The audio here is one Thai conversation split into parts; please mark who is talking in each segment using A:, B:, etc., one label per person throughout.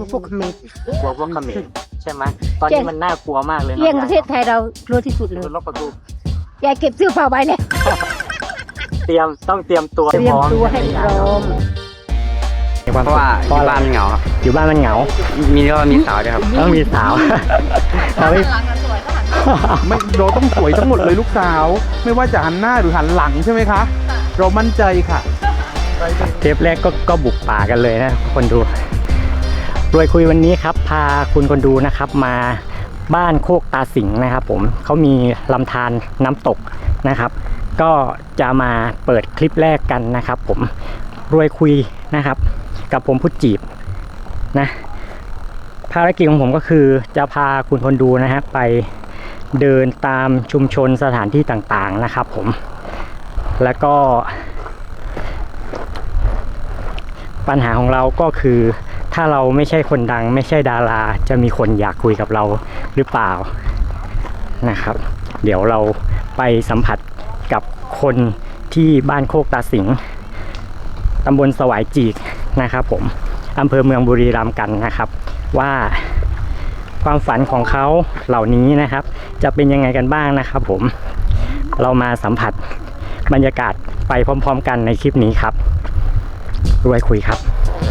A: พวกเขมร
B: กลัวพวกเขมรใช่ไหมตอนนี้มันน่ากลัวมากเลย
A: เรื่องประเทศไทยเรากลัวที่สุดเลย
B: รถประตู
A: ยายเก็บเสื้อผ้าไว้เลย
B: ต้องเตรียมตัว
A: เตรียมตัวให้พร้อม
C: เพราะว่าอยู่บ้านมันเหงา
B: อยู่บ้านมันเหงา
C: มีสาวด้วยครับ
B: ต้องมีสาวเราไม่
D: ไม่เราต้องสวยทั้งหมดเลยลูกสาว ไม่ว่าจะหันหน้าหรือหันหลังใช่ไหมคะ เรามั่นใจค่ะ
B: เทปแรกก็บุกป่ากันเลยนะคนดูรวยคุยวันนี้ครับพาคุณคนดูนะครับมาบ้านโคกตาสิงห์นะครับผมเขามีลำธารน้ำตกนะครับ ก็จะมาเปิดคลิปแรกกันนะครับผมรวยคุยนะครับกับผมพุทธจีบนะภารกิจของผมก็คือจะพาคุณคนดูนะฮะไปเดินตามชุมชนสถานที่ต่างๆนะครับผมแล้วก็ปัญหาของเราก็คือถ้าเราไม่ใช่คนดังไม่ใช่ดาราจะมีคนอยากคุยกับเราหรือเปล่านะครับเดี๋ยวเราไปสัมผัสกับคนที่บ้านโคกตาสิงห์ตำบลสวายจีกนะครับผมอำเภอเมืองบุรีรัมย์กันนะครับว่าความฝันของเขาเหล่านี้นะครับจะเป็นยังไงกันบ้างนะครับผมเรามาสัมผัสบรรยากาศไปพร้อมๆกันในคลิปนี้ครับรวยคุยครับ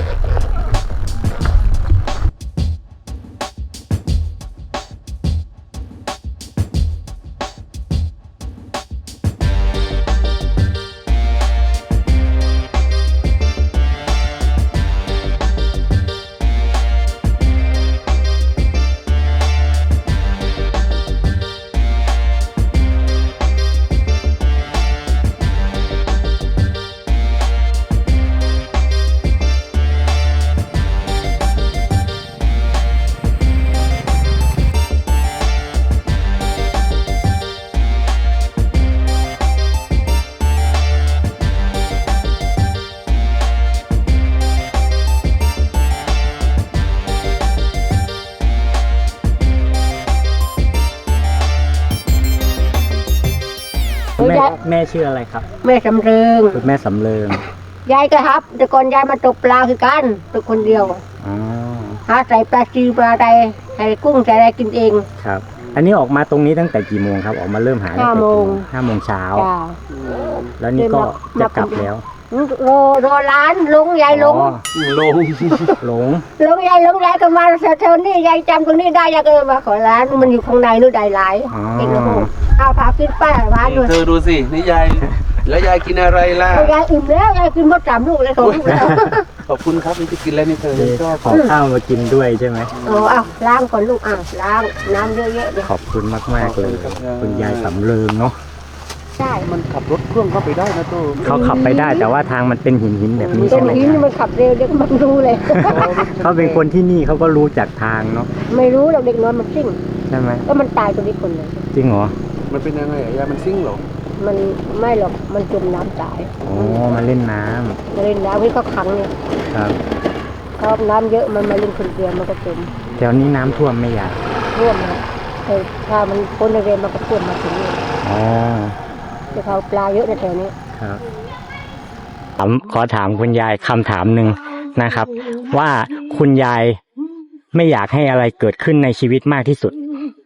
B: แม่ชื่ออะไรครับ
A: แม่สำเริง
B: คุณแม่สำเริง
A: ยายก็ครับ แต่ก่อนยายมาตกปลาคือกันตัวคนเดียว
B: อ๋อ
A: หาใส่ปลาจีปลาใดใส่กุ้งใส่อะไรกินเอง
B: ครับอันนี้ออกมาตรงนี้ตั้งแต่กี่โมงครับออกมาเริ่มหาตั้งแต่กี่โมง 5 โมงเช้า
A: จ้า
B: แล้วนี่ก็จะกลับแล้ว
A: รอร้านลุงยายลุง
B: อ๋อหลง
A: ลุงยายลุงยายก็มาแถวๆนี้ยายจำตรงนี้ได้ยายก็มาขอร้านมันอยู่ข้างในนู่นได้หลายกินแล้วเอาพากินป้าร้านด้วย
C: เธอดูสินี่ยายแล้วยายกินอะไรล่ะ
A: ยายอิ่มแล้วยายกินหมด3 ลูกเลย2 ลูกแล้ว
C: ขอบคุณครับนี่จะกินแล้วนี่เธอชอบ
B: ขอข้าวมากินด้วยใช่ไหม
A: เอาล้างก่อนลูกล้างน้ำเยอะๆเลย
B: ขอบคุณมากๆเลยคุณยายสำเริงเนาะ
A: ใช่
C: มันขับรถเครื่องเข้าไปได้นะตัว
B: เขาขับไปได้แต่ว่าทางมันเป็นหินแบบนี้
A: ต้
B: ใช่
A: น
B: ไหม
A: หินนี่มันขับเร็วเด็กมันรู้เลย
B: เขาเป็นคนที่นี่เขาก็รู้จักทางเนาะ
A: ไม่รู้หรอกเด็กน้อยมันซิ่ง
B: ใช่ไหม
A: ก็มันตายตรงนี้คนเลย
B: จริงเหรอ
C: มันเป็นยังไงยายมันซิ่งเหรอ
A: มันไม่หรอกมันจมน้ำตาย
B: อ๋อมาเล่นน้
A: มาเล่นน้ำที่เขาขังเนี่ย
B: ำครับ
A: เขาน้ำเยอะมันมาเล่นคนเดียวมันก็จม
B: แถวนี้น้ำท่วมไม่อยาก
A: ท่วมนะแต่ถ้ามันพ้นในเรือมันก็ท่วมมาถึงนี่
B: อ๋อ
A: แต่เขาปลาเยอะในแถวนี้
B: ครับขอถามคุณยายคำถามหนึ่งนะครับ ว่าคุณยายไม่อยากให้อะไรเกิดขึ้นในชีวิตมากที่สุด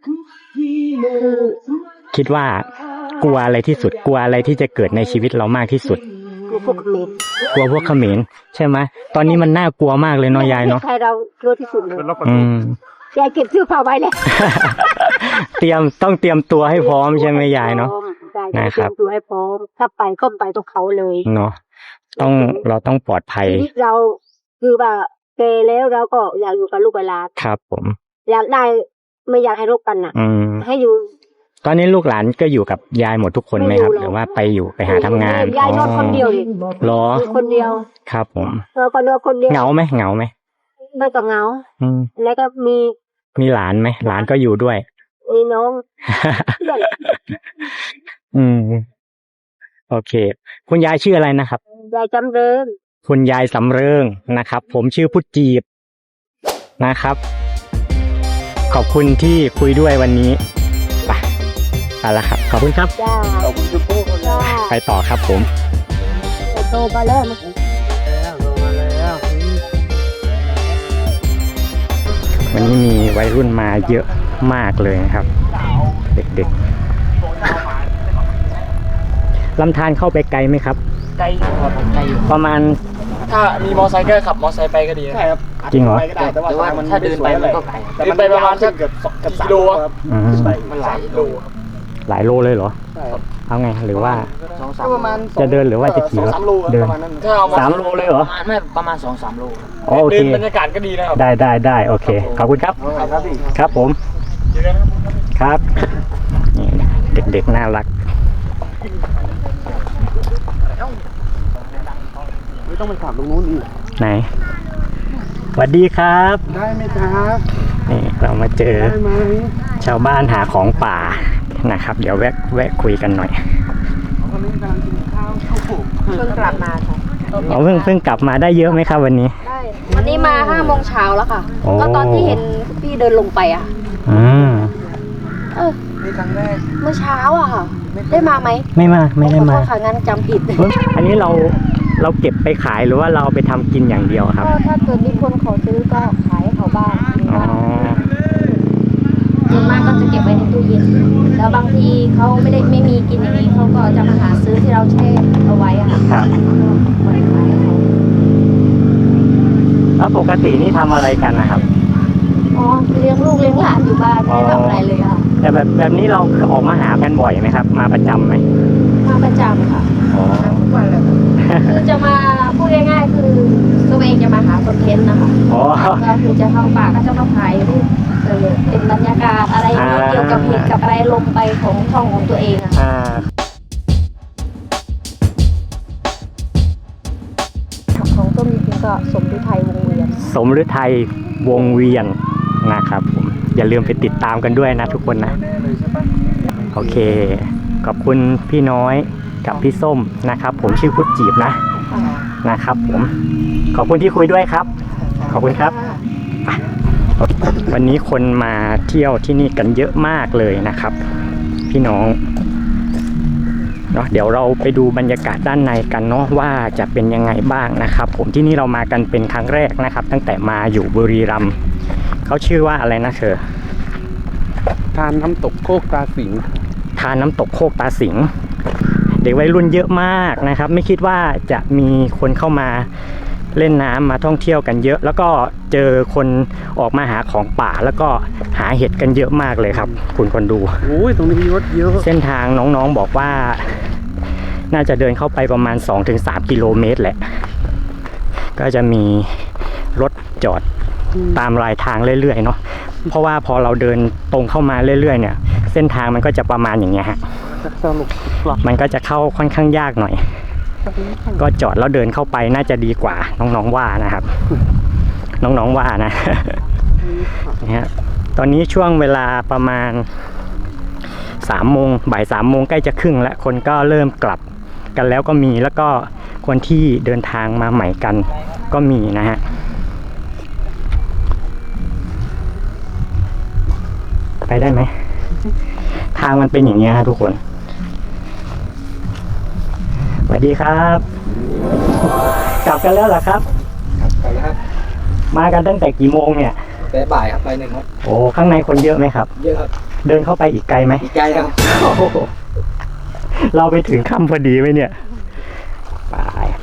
B: คิดว่ากลัวอะไรที่สุด กลัวอะไรที่จะเกิดในชีวิตเรามากที่สุด
A: คือพวกเมด
B: กลัวพวกเขมรใช่ไหมตอนนี้มันน่ากลัวมากเลยเนาะยายเนาะ
A: ใครเรากลัวที่สุดเลย
B: อืม
A: ยายเก็บเสื้อผ้าไว้เลย
B: ต้องเตรียมตัวให้พร้อมใช่ไหมยายเนาะ
A: ได้
B: นะครับ
A: เตรียมตัวให้พร้อมถ้าไปก็ไปตรงเขาเลย
B: เนาะเราต้องปลอดภัย
A: ชีวิตเราคือว่าเกแล้วเราก็อยากอยู่กับลูกกับหลาน
B: ครับผม
A: อยากได้ไม่อยากให้รบกันน่ะ
B: อืม
A: ให้อยู่
B: ตอนนี้ลูกหลานก็อยู่กับยายหมดทุกคนไหมครับ
A: ไม่อยู่หรอก
B: หรือว่าไปหาทำงาน
A: ยายนอนคนเดียวดิ
B: หรอ
A: อยู่คนเดียว
B: ครับผม
A: เราก็นอนคนเดียว
B: เหงาไหมเหงาไหม
A: ไม่ก็เหงา
B: อืม
A: แล้วก็มี
B: มีหลานไหมหลานก็อยู่ด้วย
A: น้องเพื่อน
B: อืมโอเค คุณยายชื่ออะไรนะครับ
A: ยายจำเริญ
B: คุณยายสำเริงนะครับ ผมชื่อพุทธจีบนะครับ ขอบคุณที่คุยด้วยวันนี้ไปละครับ ขอบคุณครับ
A: จ้า
C: ขอบคุณคุณปู่คน
A: จ้า
B: ไปต่อครับผม
A: ไปโตมาแล้ว
C: แล้วลงมาแล้ว
B: วันนี้มีวัยรุ่นมาเยอะมากเลยนะครับ เด็กๆลำธารเข้าไปไกลไหมครับ
E: ไกลอยู่ครับไกลอยู่
B: ประมาณ
E: ถ้ามีมอไซค์ก็ขับมอไซค์ไปก็ดีใช่ครับ
B: จริงเหรอ
E: แต่ว่าถ้าเดินไปมันก็ไกลเดินไปประมาณสักเกือบกิโลครับ
B: อืม
E: มันหลายโลครับ
B: หลายโลเลยเหรอ เอาไงหรือว่า
E: 2-3
C: ประมาณ
B: จะเดินหรือว่าจะขี่รถ
C: 2-3 โล
B: เดิน
C: ประมาณนั้น
E: ถ้าเอา
B: 3 โลเลยเหรอ
E: ไม่ประมาณ 2-3 โลครับ
B: โอเค
E: เดินบรรยากาศก็ดีนะครับ
B: ได้โอเค ขอบคุณครับ
C: ครับพี่
B: ครับผม ครับนี่เด็กๆน่ารัก
C: ไม่ต้องไปถามตรงนู้นอีก
B: ไหนสวัสดีครับ
C: ได้ไหมครับ
B: นี่เรามาเจอ
C: ได้ไหม
B: ชาวบ้านหาของป่านะครับ เดี๋ยวแวะคุยกันหน่อย
C: วันนี้กำลังกินข้าวข้าวโพด
A: เพิ่งกลับมาค่ะ
B: อ๋อเพิ่งกลับมาได้เยอะไหมครับวันนี้
A: ได้วันนี้มา5 โมงเช้าแล้วค่ะ
B: โอ้
A: ก็ตอนที่เห็นพี่เดินลงไปอ่ะ
B: อืม
C: นี่ครั้งแรก
A: เมื่อเช้าอ่ะค่ะ ได้มาไหม
B: ไม่ได้มา
A: ขอโทษค่ะงั้นจำผิด
B: เฮ้ยอันนี้เราเก็บไปขายหรือว่าเราเอาไปทำกินอย่างเดียวครับ
A: ก็ถ้าเกิดมีคนขอซื้อก็ขายให้เขาบ้าง
B: อ๋อ
A: ส่วนมากก็จะเก็บไว้ในตู้เย็น แล้วบางทีเขาไม่มีกินอย่างนี้เขาก็จะมาหาซื้อที่เราแช่เอาไว้อะค่ะ
B: ครับ
A: ก็บริขายให้เขา
B: แล้วปกตินี่ทำอะไรกันนะครับ
A: อ๋อเลี้ยงลูกเลี้ยงหลานอยู่บ้านไม่ได้ทำอะไรเลยค่ะ
B: แต่แบบนี้เราออกมาหากันบ่อยไหมครับ มาประจำไหม
A: มาประจำค่ะ
B: อ๋อ
A: ทุกวันเลยคือจะมาพูดง่ายๆคือตัวเองจะมาหาคอนเทนต์นะคะ
B: อ๋อ
A: ก็คือจะเข้าป่าก็จะมาถ่ายรูปเป็นบรรยากาศอะไรอย่างเงี้ยเกี่ยวกับเหตุกับอะไรลงไปของช่องของตัวเองอะ
B: อ่า
A: ของต้นจริงๆก็สมฤทัยวงเวียน
B: สมฤทัยวงเวียนนะครับผมอย่าลืมไปติดตามกันด้วยนะทุกคนนะ โอเค ขอบคุณพี่น้อยกับพี่ส้มนะครับ ผมชื่อพุทธจีบนะครับผมขอบคุณที่คุยด้วยครับ ขอบคุณครับ วันนี้คนมาเที่ยวที่นี่กันเยอะมากเลยนะครับ พี่น้องเนาะเดี๋ยวเราไปดูบรรยากาศด้านในกันเนาะว่าจะเป็นยังไงบ้างนะครับ ผมที่นี่เรามากันเป็นครั้งแรกนะครับ ตั้งแต่มาอยู่บุรีรัมย์เขาชื่อว่าอะไรนะเธอ
C: ทานน้ำตกโคกตาสิง
B: ทานน้ำตกโคกตาสิงเด็กวัยรุ่นเยอะมากนะครับ ไม่คิดว่าจะมีคนเข้ามาเล่นน้ำมาท่องเที่ยวกันเยอะ แล้วก็เจอคนออกมาหาของป่าแล้วก็หาเห็ดกันเยอะมากเลยครับ คุณคนดู
C: โอ้ยตรงนี้มีรถเยอะ
B: เส้นทางน้องๆบอกว่า น่าจะเดินเข้าไปประมาณ 2-3 กิโลเมตรแหละ ก็จะมีรถจอดตามรายทางเรื่อยๆเนาะเพราะว่าพอเราเดินตรงเข้ามาเรื่อยๆเนี่ยเส้นทางมันก็จะประมาณอย่างเงี้ยฮะ
C: สรุปกลับ
B: มันก็จะเข้าค่อนข้างยากหน่อย ก็จอดแล้วเดินเข้าไปน่าจะดีกว่าน้องๆว่านะครับ น้องๆว่านะ นะฮะตอนนี้ช่วงเวลาประมาณ3 โมงบ่าย 3 โมงใกล้จะครึ่งแล้วคนก็เริ่มกลับกันแล้วก็มีแล้วก็คนที่เดินทางมาใหม่กันก็มีนะฮะไปได้ไหมทางมันเป็นอย่างเงี้ยฮะทุกคนสวัสดีครับ กลับกันแล้วเหรอครับ
E: ไปครับ
B: มากันตั้งแต่กี่โมงเนี่ย
E: แต่บ่ายครับไป1ครับ
B: โอ้ข้างในคนเยอะไหมครับ
E: เยอะครับ
B: เดินเข้าไปอีกไกลไหม
E: อีกไกลครับ
B: โอ้โหเราไปถึงค่ำพอดีไหมเนี่ยไป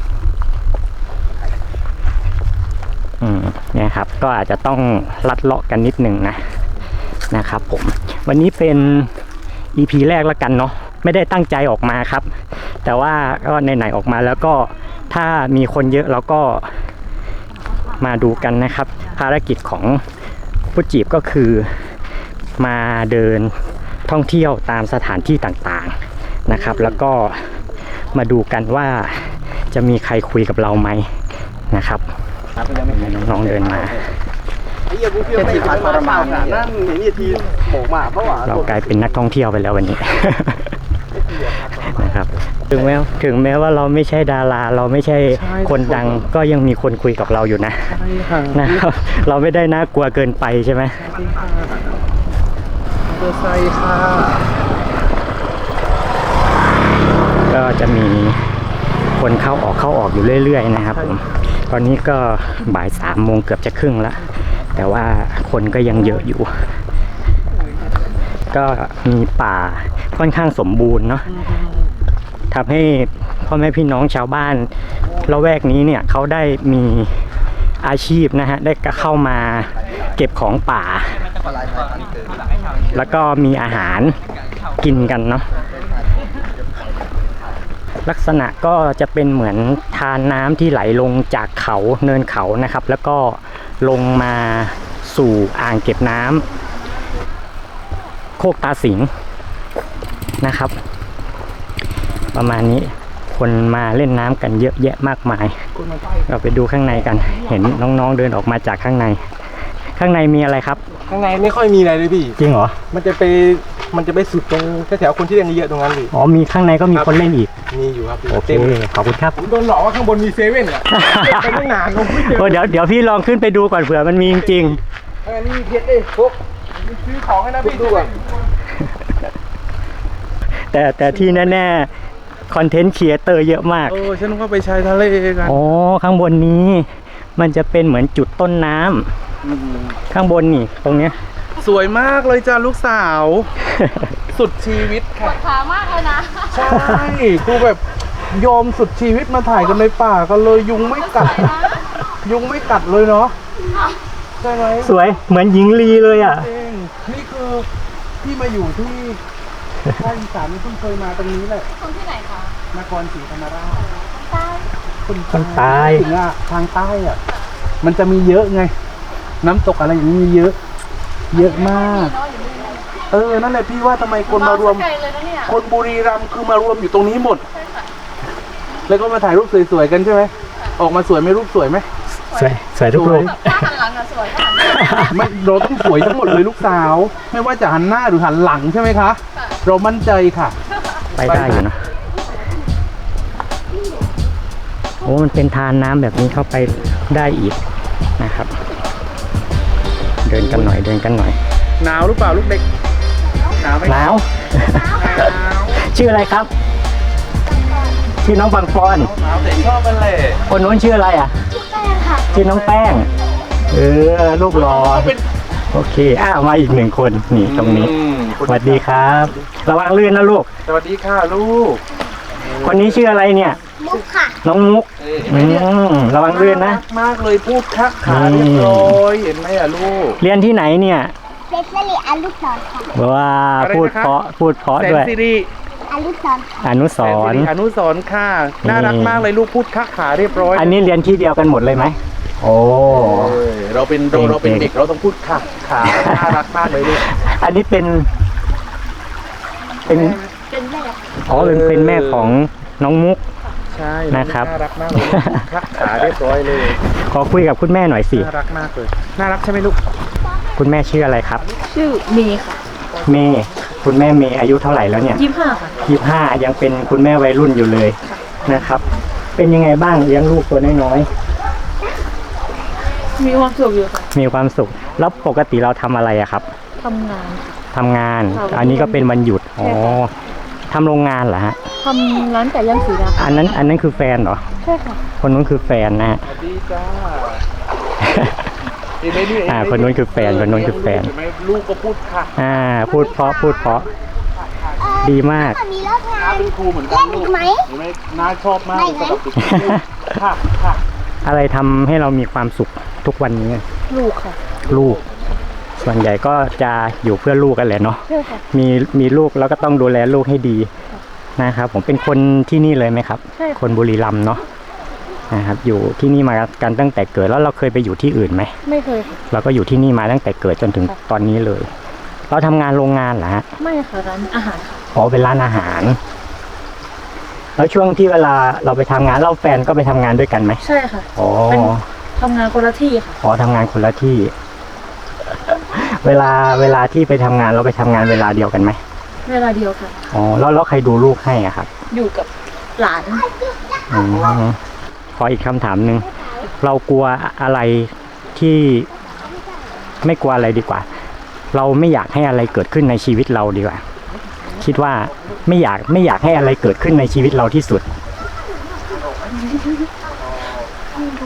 B: เนี่ยครับ ก็อาจจะต้องลัดเลาะกันนิดหนึ่งนะครับผม วันนี้เป็น EP แรกแล้วกันเนาะ ไม่ได้ตั้งใจออกมาครับ แต่ว่าก็ไหนๆออกมาแล้วก็ถ้ามีคนเยอะเราก็มาดูกันนะครับ ภารกิจของผู้จีบก็คือมาเดินท่องเที่ยวตามสถานที่ต่างๆนะครับ แล้วก็มาดูกันว่าจะมีใครคุยกับเราไหมนะครับน้องๆเดินมา
C: ไอ้เหี้ยกูเที่ยวไม่ทันมาบ้างนั่นเห็นทีโบกมาเพราะว่า
B: เรากลายเป็นนักท่องเที่ยวไปแล้ววันนี้ นะครับถึงแม้ว่าเราไม่ใช่ดาราเราไม่ใช่คนดังก็ยังมีคนคุยกับเราอยู่นะ
C: ใช่ค่ะ
B: นะครับ เราไม่ได้น่ากลัวเกินไปใช่ไหม
C: เบอร์ไซค์ค่ะ
B: ก็จะมีคนเข้าออกอยู่เรื่อยๆนะครับผมตอนนี้ก็บ่าย 3 โมงเกือบจะครึ่งแล้วแต่ว่าคนก็ยังเยอะอยู่ ก็มีป่าค่อนข้างสมบูรณ์เนาะทำให้พ่อแม่พี่น้องชาวบ้านละแวกนี้เนี่ยเขาได้มีอาชีพนะฮะได้เข้ามาเก็บของป่า แล้วก็มีอาหารกินกันเนาะลักษณะก็จะเป็นเหมือนทานน้ำที่ไหลลงจากเขาเนินเขานะครับ แล้วก็ลงมาสู่อ่างเก็บน้ำโคกตาสิงนะครับ ประมาณนี้คนมาเล่นน้ำกันเยอะแยะมากมายเราไปดูข้างในกันเห็นน้องๆเดินออกมาจากข้างในมีอะไรครับ
C: ข้างในไม่ค่อยมีอะไรเลยพี่
B: จริงเหรอ
C: มันจะไปสุดตรงแถวๆคนที่เล่นเยอะตรงนั้นเลย
B: อ๋อมีข้างในก็มีคนเล่นอีก
C: มีอยู่ครับ
B: โอเคขอบคุณครับ
C: ผมโดนหลอกว่าข้างบนมีเซเว่นอ่ะไปตั้งนานผมไม่เจอ
B: โอ้เดี๋ยวพี่ลองขึ้นไปดูก่อนเผื่อมันมีจริง
C: อันนี้มีเพชรเอ้ยพวกซื้อของให้นะพี่ดูอ่ะ
B: ๆแต่ที่แน่ๆคอนเทนต์ครีเอเตอร์เยอะมาก
D: ฉันก็ไปชายทะเลกัน
B: อ๋อข้างบนนี้มันจะเป็นเหมือนจุดต้นน้ำข้างบนนี่ตรงเนี้ย
D: สวยมากเลยจ้าลูกสาว สุดชีวิตค่ะ
F: ขามากเลยนะ
D: ใช่คือแบบยอมสุดชีวิตมาถ่ายกันในป่ากันเลยยุงไม่กัด ยุงไม่กัดเลยเนาะใช่ไหม
B: สวยเหมือนหญิงลีเลยอ่ะ
D: เองนี่คือที่มาอยู่ที่ภาคอีสานเพิ่งเคยมาตรงนี้แหละ
F: คนที่ไหนคะ
D: นครศรีธรรมราช
F: ใต้
B: คนใต้
D: ถึงอะทางใต้อะมันจะมีเยอะไง น้ำตกอะไรอย่างนี้มีเยอะ เยอะมาก
F: เนาะอยู่นี่
D: นั่นแหละพี่ว่าทำไมคนมารวม
F: ไกลเลยนะเนี่ย
D: คนบุรีรัมย์คือมารวมอยู่ตรงนี้หมด แล้วก็มาถ่ายรูปสวยๆกันใช่ไหม ออกมาสวยไหมรูปสวยไหม
B: สวยทุกรูป
F: ถ้าหันหลังอะสวยถ้าหันหน้า
D: ไม่เราต้องสวยทั้งหมดเลยลูกสาว ไม่ว่าจะหันหน้าหรือหันหลังใช่ไหมคะ เรามั่นใจค่ะ
B: ไปได้อยู่นะโอ้มันเป็นทานน้ำแบบนี้เข้าไปได้อีกนะครับ เดินกันหน่อย
D: หนาวหรือเปล่าลูกเด็ก หนาวไหม
B: หนาว
D: หนาว
B: ชื่ออะไรครับ ชื่อน้องปังปอน
D: หนาวแต่ชอบมันเลย
B: คนนู้นชื่ออะไรอ่ะ ชื่อน้องแป้ง ลูกรอ โอเคมาอีกหนึ่งคนนี่ตรงนี้ สวัสดีครับ ระวังลื่นนะลูก
D: สวัสดีค่ะลูก
B: คนนี้ชื่ออะไรเนี่ย
A: มุกค่ะ
B: น้องมุกระวังลื่นนะ
D: มากเลยพูดคะขาเรียบร้อยเห็นไหมอะลูก
B: เรียนที่ไหนเนี่ย
A: เซฟลิอารุสรค่ะ
B: ว้า
D: อะไรนะคะ
B: พูดเพราะ
D: แสน
B: ด้วย
D: สิริ
A: อารุสร
B: อนุส
D: แสน
B: ร
D: สิ
B: ณ์
D: ริอนุสรณ์ค่ะ น่ารักมากเลยลูกพูดคะขาเรียบร้อย
B: อันนี้เรียนที่เดียวกันหมดเลยไหมโอ้
D: เราเป็นเด็กเราต้องพูดค่ะขาน่ารักมากเลยลูก
B: อันนี้เป็นอ๋อเป็นแม่ของน้องมุก
D: ใช่
B: นะครับ
D: น่ารักมากเลยลูกพูดคะขาเรียบร้อยเลย
B: ขอคุยกับคุณแม่หน่อยสิ
D: น่ารักมากเลยน่ารักใช่ไหมลูก
B: คุณแม่ชื่ออะไรครับ
F: ชื่อเมย์ค่ะ
B: เมย์คุณแม่เมย์อายุเท่าไหร่แล้วเนี่ย
F: 25ค่ะ
B: 25ยังเป็นคุณแม่วัยรุ่นอยู่เลยนะครับ เป็นยังไงบ้างเลี้ยงลูกตัวน้อย
F: มีความสุขอยู่ค่ะ
B: ๆมีความสุขแล้วปกติเราทำอะไรอะครับ
F: ทำงาน
B: ทำงาน
F: ค่ะ
B: อันนี้ก็เป็นวันหยุดอ๋อทำโรงงานเหรอฮะ
F: ทำร้านไก่ย่างสีดำ
B: อันนั้นคือแฟนเหรอ
F: ใช่ค่ะ
B: คนนู้นคือแฟนนะฮะ
D: สวัสดีจ้าเห็นไหมนี่
B: คนนู้นคือแฟนคนนู้นคือแฟน
D: เห็นไหมลูกก็พูดค่ะ
B: พูดเพราะดีมาก
A: มีเลิกงาน
D: เป็นครูเหมือนกันลูก
A: ไหม
D: เห็นไหมน้าชอบมากเลยสำหรับเด็กค่ะค่ะ
B: อะไรทำให้เรามีความสุขทุกวันนี้
F: ลูกค่ะ
B: ลูก ส่วนใหญ่ก็จะอยู่เพื่อลูกกันแหละเนาะ
F: ใช่ค่ะ
B: มีลูกแล้วก็ต้องดูแลลูกให้ดีนะครับ ผมเป็นคนที่นี่เลยไหมครับ
F: ใช่ค่ะ
B: คนบุรีรัมย์เนาะนะครับ อยู่ที่นี่มากันตั้งแต่เกิดแล้วเราเคยไปอยู่ที่อื่นไหม
F: ไม่เคยค่ะ
B: เราก็อยู่ที่นี่มาตั้งแต่เกิดจนถึงตอนนี้เลย เราทำงานโรงงานเหรอฮะ
F: ไม่ค่ะร้านอาหารค่ะ
B: อ๋อเป็นร้านอาหาร แล้วช่วงที่เวลาเราไปทำงานเราแฟนก็ไปทำงานด้วยกันไหม
F: ใช่ค่ะ
B: อ๋อ
F: ทำงานคนละที่ค่ะ
B: อ๋อทำงานคนละที่ เวลาที่ไปทำงานเราไปทำงานเวลาเดียวกันไหม
F: เวลาเดียวค่ะ
B: อ๋อแล้วใครดูลูกให้อะครับ
F: อยู่กับหลาน
B: อืมขออีกคำถามหนึ่งเรากลัวอะไรที่ไม่กลัวอะไรดีกว่า เราไม่อยากให้อะไรเกิดขึ้นในชีวิตเราดีกว่า คิดว่าไม่อยากให้อะไรเกิดขึ้นในชีวิตเราที่สุด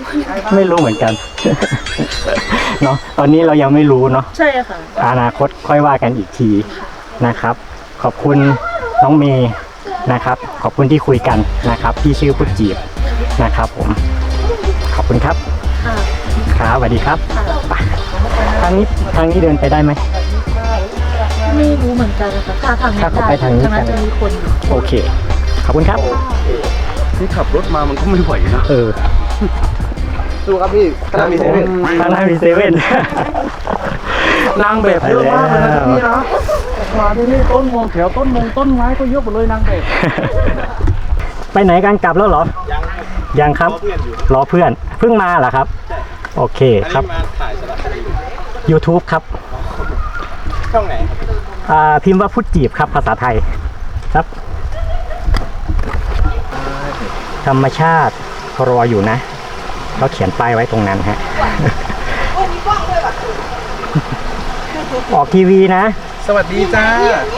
B: ไม่รู้เหมือนกัน เนาะตอนนี้เรายังไม่รู้เนาะ
F: ใช่ค่ะ
B: อนาคตค่อยว่ากันอีกทีนะครับ ขอบคุณน้องเมย์นะครับ ขอบคุณที่คุยกันนะครับพี่ชื่อพุทธจีบนะครับผมขอบคุณครับ
F: ค่ะ
B: ครับสวัสดีครับไปทางนี้เดินไปได้ไหม
F: ไม่รู้เหมือนกันนะคะถ้าทาง
B: ถ้าเขาไปทางนี้
F: นั้นจะมีคนอยู่
B: โอเคขอบคุณครับ
C: นี่ขับรถมามันก็ไม่ไหวนะ
B: เออ
C: สู้ครับพี่ขนาดมีเซเว่น
B: ทางหน้ามีเซเว่น
D: นางแบบเยอะมากเลยนะที่นี่นะมาที่นี่ต้นมงแถวต้นไม้ก็เยอะหมดเลยนางแบบ
B: ไปไหนกันกลับแล้วเหรอ ยังครับ รอเพื่อนเพิ่งมาเหรอครับ โอเคครับ
C: มาถ่ายสารคดี
B: YouTube ครับ
C: ช่องไหน
B: พิมพ์ว่าพุทธจีบครับภาษาไทยครับ ธรรมชาติรออยู่นะเราเขียนป้ายไว้ตรงนั้นฮะ ออกทีวีนะ
D: สวัสดีจ้า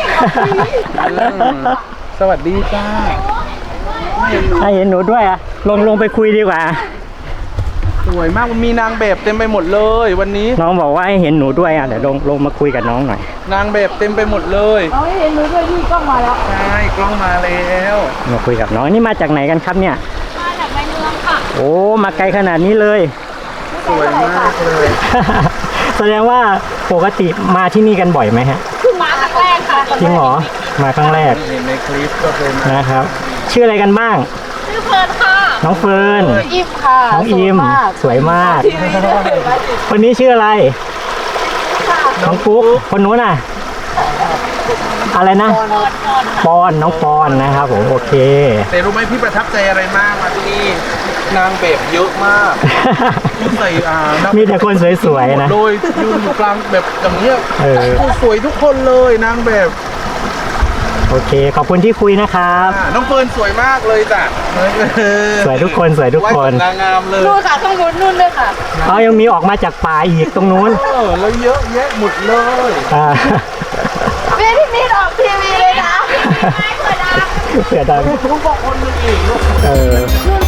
D: สวัสดีจ้า
B: ถ้าเห็นหนูด้วยอ่ะลงไปคุยดีกว่า
D: สวยมากมันมีนางแบบเต็มไปหมดเลยวันนี้
B: น้องบอกว่าให้เห็นหนูด้วยอ่ะเดี๋ยวลงมาคุยกับน้องหน่อย
D: นางแบบเต็มไปหมดเลยเอาให้เห็นหนูด้วยที่กล้องมาแล้วใช่กล้องมาแล้ว
B: มาคุยกับน้องนี่มาจากไหนกันครับเนี่ย
F: มาจากในเมืองค่ะ
B: โอ้มาไกลขนาดนี้เลย
D: สวยมากเลย
B: แสดงว่าปกติมาที่นี่กันบ่อยไหมฮะ
F: คือมาครั้งแรกค่ะ
B: จริงเหรอมาครั้งแรก
D: เห็นในคลิปก็เคยมา
B: นะครับ ชื่ออะไรกันบ้าง
F: ชื่อเฟิร์นค่ะ
B: น้องเฟิร์น
F: อิมค่ะ
B: น้องอิมสวยมากคนนี้ชื่ออะไร น้องปุ๊กคนนู้นน่ะ อะไรนะปอนน้องปอนนะครับผมโอเค
D: แต่รู้ไหมพี่ประทับใจอะไรมากมาที่นี่นางแบบเยอะมากคุณใส่
B: มีแต่คนสวยๆนะ
D: โดยยืนอยู่กลางแบบอย่างเงี้ย
B: เออ
D: สวยทุกคนเลยนางแบบ
B: โอเค ขอบคุณที่คุยนะครับ
D: น้องเฟิร์นสวยมากเลยจ้ะ
B: สวยทุกคนสวยทุกคน
D: นางงามเลย
F: นู่นค่ะต้องนู่นเลยค่ะ
B: เอายังมีออกมาจากป่าอีกตรงนู้น
D: แล้วเยอะแยะหมดเลย
B: อ่า
F: เพี่นิดออกทีวีเลยนะ
B: เสือดำ
D: ทุกคนนึงอีก
B: เออ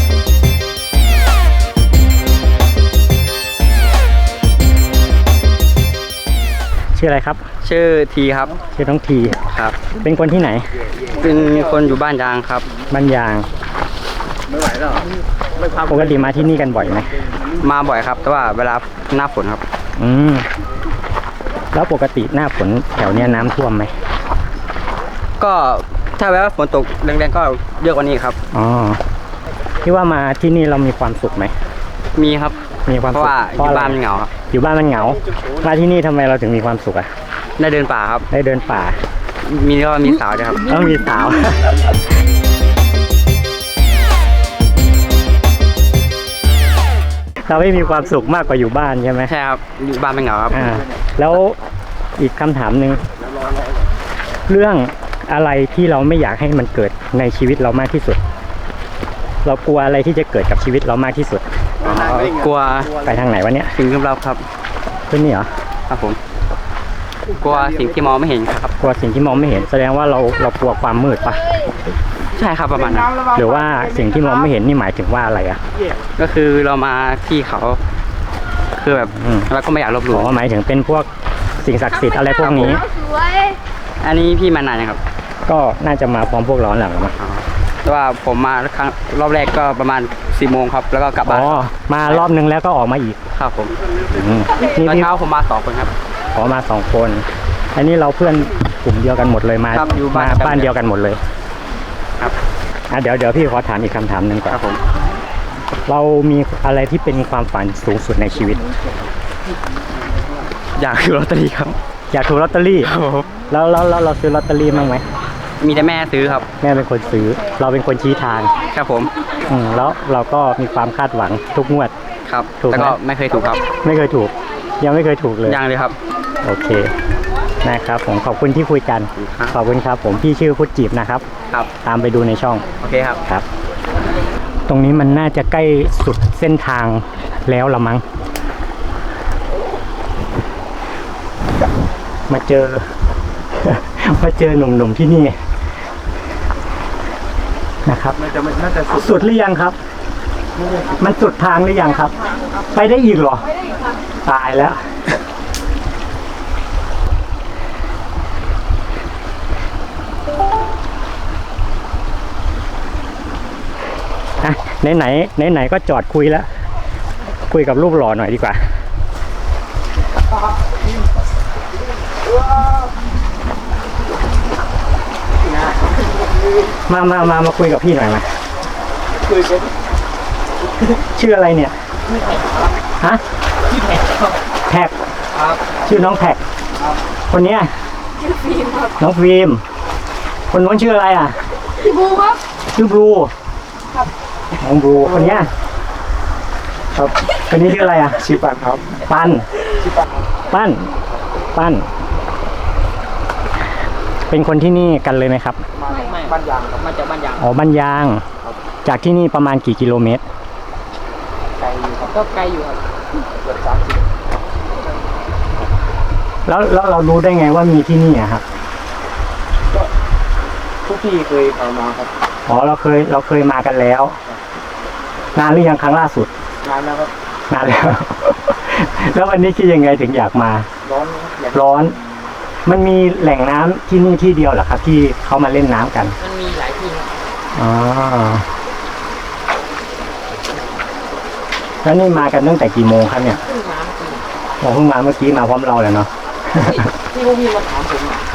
B: ชื่ออะไรครับ
E: ชื่อทีครับ
B: ชื่อน้องที
E: ครับ
B: เป็นคนที่ไหน
E: เป็นคนอยู่บ้านยางครับ
B: บ้านยาง
C: ไม่ไหวแล้วไม่พัก
B: ปกติมาที่นี่กันบ่อยไหม
E: มาบ่อยครับ แต่ว่าเวลาหน้าฝนครับ
B: อืมแล้วปกติหน้าฝนแถวเนี้ยน้ำท่วมไหม
E: ก็ถ้าแวาฝนตกแรงๆก็เยอะกว่านี้ครับ
B: อ๋อที่ว่ามาที่นี่เรามีความสุขไหม
E: มีครับ
B: มีความ
E: เพ
B: สุข
E: ราะว่าอยู่
B: อะไร
E: บ้านมันเหงาครับ
B: อยู่บ้านมันเหงามาที่นี่ทำไมเราถึงมีความสุขอ่ะ
E: ได้เดินป่าครับ
B: ได้เดินป่า
E: มีสาวด้วยครับ
B: ต้องมีสาว เราไม่มีความสุขมากกว่าอยู่บ้านใช่ไหม
E: ใช่ครับ อยู่บ้านมันเหงาครับ
B: อ่าแล้วอีกคำถามหนึ่งเรื่องอะไรที่เราไม่อยากให้มันเกิดในชีวิตเรามากที่สุด เรากลัวอะไรที่จะเกิดกับชีวิตเรามากที่สุด
E: กลัว
B: ไปทางไหนวะเนี่ย
E: สิ่งลึกลับครับ
B: ขึ้นนี่เหรอ
E: ครับผม กลัวสิ่งที่มองไม่เห็นครับ
B: กลัวสิ่งที่มองไม่เห็น แสดงว่าเรากลัวความมืดปะ
E: ใช่ครับประมาณนั้น
B: หรือว่าสิ่งที่มองไม่เห็นนี่หมายถึงว่าอะไรอ่ะ
E: ก็คือเรามาที่เขา คือแบบ
B: อืม
E: เราก็ไม่อยากลบหลู่
B: อ๋อหมายถึงเป็นพวกสิ่งศักดิ์สิทธิ์อะไรพวกนี้
E: อันนี้พี่มานานยังครับ
B: ก็น่าจะมาพร้อมพวกร้อนแหละมั้ง
E: แต่ว่าผมมาครั้งรอบแรกก็ประมาณ4 โมงครับ แล้วก็กลับ
B: อ๋
E: บ้าน
B: อมารอบนึงแล้วก็ออกมาอีก
E: ครับผม
B: อืมนี่
E: ตอน
B: พี่
E: เช้าผมมา2 คนครับ
B: ขอมา2 คน อันนี้เราเพื่อนกลุ่มเดียวกันหมดเลยมา
E: ครับอยู่บ้าน
B: มาบ้านเดียวกันหมดเลย
E: ครับ
B: เดี๋ยวพี่ขอถามอีกคำถามหนึ่งก่อน
E: ครับผม
B: เรามีอะไรที่เป็นความฝันสูงสุดในชีวิต
E: อยากซื้อลอตเตอรี่ครับ
B: อยากถูกลอตเตอรี่
E: ครับผม
B: แล้วเราซื้อลอตเตอรี่มั้างไหม
E: มีแต่แม่ซื้อครับ
B: แม่เป็นคนซื้อ เราเป็นคนชี้ทาง
E: ครับผม
B: แล้วเราก็มีความคาดหวังทุกงวด
E: ครับ
B: ถูกไหม
E: แต่ก็ไม่เคยถูกครับ
B: ไม่เคยถูก ยังไม่เคยถูกเลย
E: ยังเลยครับ
B: โอเคนะครับผมขอบคุณที่คุยกัน
E: ครับ
B: ขอบคุณครับ ผมพี่ชื่อพุทธจีบนะครับ
E: ครับ
B: ตามไปดูในช่อง
E: โอเคครับ
B: ครับ ตรงนี้มันน่าจะใกล้สุดเส้นทางแล้วละมั้งมาเจอ มาเจอหนุ่มๆที่นี่นะครับ
D: น่าจะสุด
B: สุดหรือยังครับมันสุดทางหรือยังครับ ไปได้อีกเหรอ ตายแล้วไหนก็จอดคุยแล้ว คุยกับรูปหล่อหน่อยดีกว่า มาคุยกับพี่หน่อยมาคุยกันชื่ออะไรเนี่ยฮะชื่อแท็กชื่อน้องแท็กคนเนี้ยชื่อฟิล์มครับน้องฟิล์มคนนู้นชื่ออะไรอ่ะชื่อบลูครับชื่อบลูครับน้องบลูคนเนี้ยครับคนนี้ชื่ออะไรอ่ะชื่อปันครับปันชื่อปันเป็นคนที่นี่กันเลยไหมครับ
E: บ้านยางครับมาจากบ้านยาง
B: อ๋อบ้านยางจากที่นี่ประมาณกี่กิโลเมตร
E: ไกลอยู่ครับก็ไกลอยู่ครับเกือบ30
B: แล้วเรารู้ได้ไงว่ามีที่นี่อะครับ
C: ทุกที่เคยเอามาครับ
B: อ๋อเราเคยมากันแล้วนานหรือยังครั้งล่าสุด
C: นานแล้วครับ
B: นานแล้ว แล้ววันนี้คิดยังไงถึงอยากมา ร้อน มันมีแหล่งน้ำที่นี่ที่เดียวเหรอครับ ที่เขามาเล่นน้ำกัน
E: มันมีหลายที่ครับ
B: อ๋อแล้วนี่มากันตั้งแต่กี่โมงครับเนี่ย
E: ขึ้นน้ำจริง
B: เพิ่งมาเมื่อกี้มาพร้อมเราเลยเนาะ
E: ที่พวกพี่มาถามผมอะ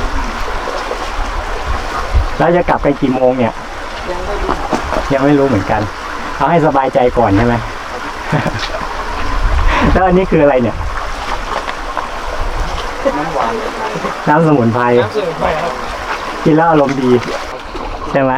B: แล้วจะกลับกันกี่โมงเนี่ย ยังไม่รู้เหมือนกันเอาให้สบายใจก่อนใช่ไหม แล้วอันนี้คืออะไรเนี่ย น้ำสมุนไพรกินแล้วอารมณ์ดีใช่ไหม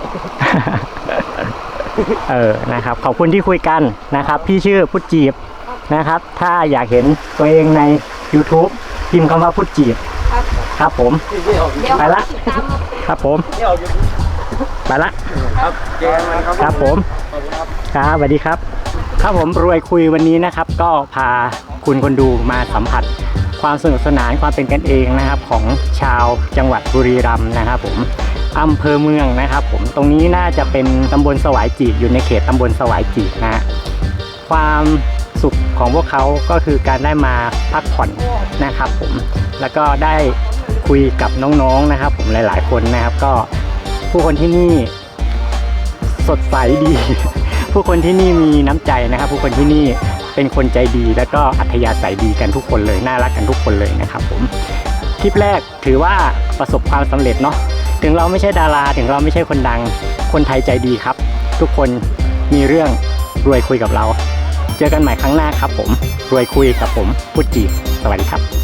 B: นะครับขอบคุณที่คุยกันนะครับพี่ชื่อพุทธจีบนะครับถ้าอยากเห็นตัวเองใน YouTube พิมพ์คำว่าพุทธจีบครับผมไปละครับผมไปละครับผมครับสวัสดีครับครับผมรวยคุยวันนี้นะครับก็พาคุณคนดูมาสัมผัสความสนุกสนานความเป็นกันเองนะครับของชาวจังหวัดบุรีรัมย์นะครับผมอำเภอเมืองนะครับผมตรงนี้น่าจะเป็นตำบลสวายจีกอยู่ในเขตตำบลสวายจีกนะความสุขของพวกเขาก็คือการได้มาพักผ่อนนะครับผมแล้วก็ได้คุยกับน้องๆนะครับผมหลายๆคนนะครับก็ผู้คนที่นี่สดใสดี ผู้คนที่นี่มีน้ำใจนะครับผู้คนที่นี่เป็นคนใจดีแล้วก็อัธยาศัยดีกันทุกคนเลยน่ารักกันทุกคนเลยนะครับผมคลิปแรกถือว่าประสบความสำเร็จเนาะถึงเราไม่ใช่ดาราถึงเราไม่ใช่คนดังคนไทยใจดีครับทุกคนมีเรื่องรวยคุยกับเราเจอกันใหม่ครั้งหน้าครับผมรวยคุยกับผมพุทธจีบสวัสดีครับ